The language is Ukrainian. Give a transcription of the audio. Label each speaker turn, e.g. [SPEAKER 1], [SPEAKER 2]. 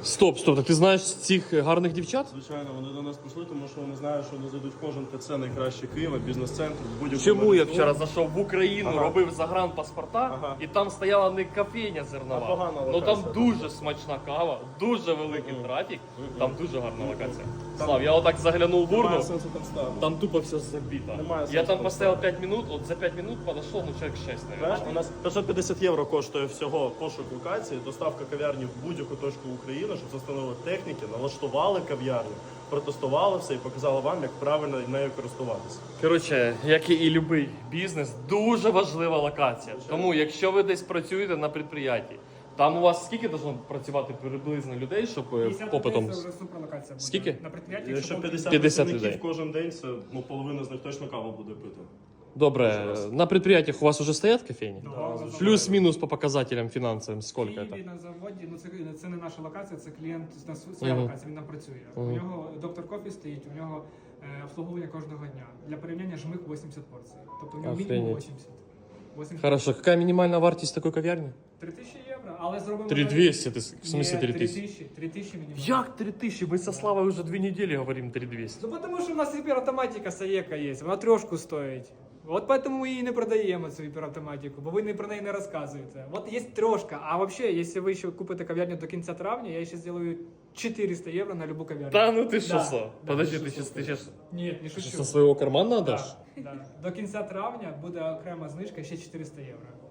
[SPEAKER 1] Стоп, так ти знаєш цих гарних дівчат?
[SPEAKER 2] Звичайно, вони до нас прийшли, тому що вони знають, що вони зайдуть в кожен ТЦ найкраще Києва, бізнес-центр, будь-якому.
[SPEAKER 1] Чому я
[SPEAKER 2] магазину.
[SPEAKER 1] вчора зайшов в Україну,
[SPEAKER 2] Ага.
[SPEAKER 1] робив загранпаспорта,
[SPEAKER 2] Ага.
[SPEAKER 1] і там стояла не кофейня зернова,
[SPEAKER 2] А погана
[SPEAKER 1] ну там
[SPEAKER 2] локація,
[SPEAKER 1] дуже смачна кава, дуже великий трафік, там дуже гарна локація. Слав, я отак заглянув в
[SPEAKER 2] Немає
[SPEAKER 1] урну,
[SPEAKER 2] сенсу там ставити.
[SPEAKER 1] там тупо все забито.
[SPEAKER 2] Немає
[SPEAKER 1] Я
[SPEAKER 2] сенсу
[SPEAKER 1] там
[SPEAKER 2] там
[SPEAKER 1] поставив
[SPEAKER 2] ставити.
[SPEAKER 1] 5 минут, от за 5 минут подошел, ну человек 6,
[SPEAKER 2] Знаєш,
[SPEAKER 1] наверное.
[SPEAKER 2] у нас 550 євро коштує всього пошук локації, доставка кав'ярні в будь-яку точку України, щоб застановили техніки, налаштували кав'ярню, протестували все і показали вам, як правильно нею користуватися.
[SPEAKER 1] Коротше, як і будь-який бізнес, дуже важлива локація. Тому, якщо ви десь працюєте на підприємстві, там у вас скільки должно працювати приблизно людей, щоб
[SPEAKER 3] 50
[SPEAKER 1] попитом?
[SPEAKER 3] людей це вже суперлокація буде.
[SPEAKER 1] Скільки?
[SPEAKER 3] На підприємстві,
[SPEAKER 2] Якщо 50
[SPEAKER 1] 50
[SPEAKER 2] працівників
[SPEAKER 1] людей.
[SPEAKER 2] кожен день, це половина з них точно каву буде пити.
[SPEAKER 1] Добре, на предприятиях у вас уже стоят кофейни?
[SPEAKER 3] Да,
[SPEAKER 1] Плюс-минус по показателям финансовым, сколько
[SPEAKER 3] в Києві
[SPEAKER 1] это?
[SPEAKER 3] на заводі, ну це не наша локація, це клієнт на своя локація, він там працює. У нього доктор кофі стоїть, у нього обслуговування кожного дня. Для порівняння жмих 80 порцій. Тобто у нього мінімум
[SPEAKER 1] Охренеть.
[SPEAKER 3] 80.
[SPEAKER 1] Хорошо, какая минимальная вартість такой кав'ярні?
[SPEAKER 3] 3000 євро, але зробимо...
[SPEAKER 1] 3200, ты, в смысле 3000?
[SPEAKER 3] 3000? 3000 мінімум.
[SPEAKER 1] Як 3000? Мы со Славой уже 2 недели говорим 3200.
[SPEAKER 3] Ну тому що в нас гіперавтоматика Саєка є, вона трошку стоїть. От поэтому ми її не продаємо, цю гіперавтоматику, бо ви про неї не розказуєте. От є трошка, а взагалі, якщо ви ще купите кав'ярню до кінця травня, я ще зроблю 400 євро на любу кав'ярню.
[SPEAKER 1] Да ну ты что,
[SPEAKER 3] Да,
[SPEAKER 1] Слав?
[SPEAKER 3] да.
[SPEAKER 1] Подожди, ты сейчас
[SPEAKER 3] Ні, не шучу.
[SPEAKER 1] со своего кармана отдашь?
[SPEAKER 3] Да, да. До кінця травня буде окрема знижка ще 400 євро.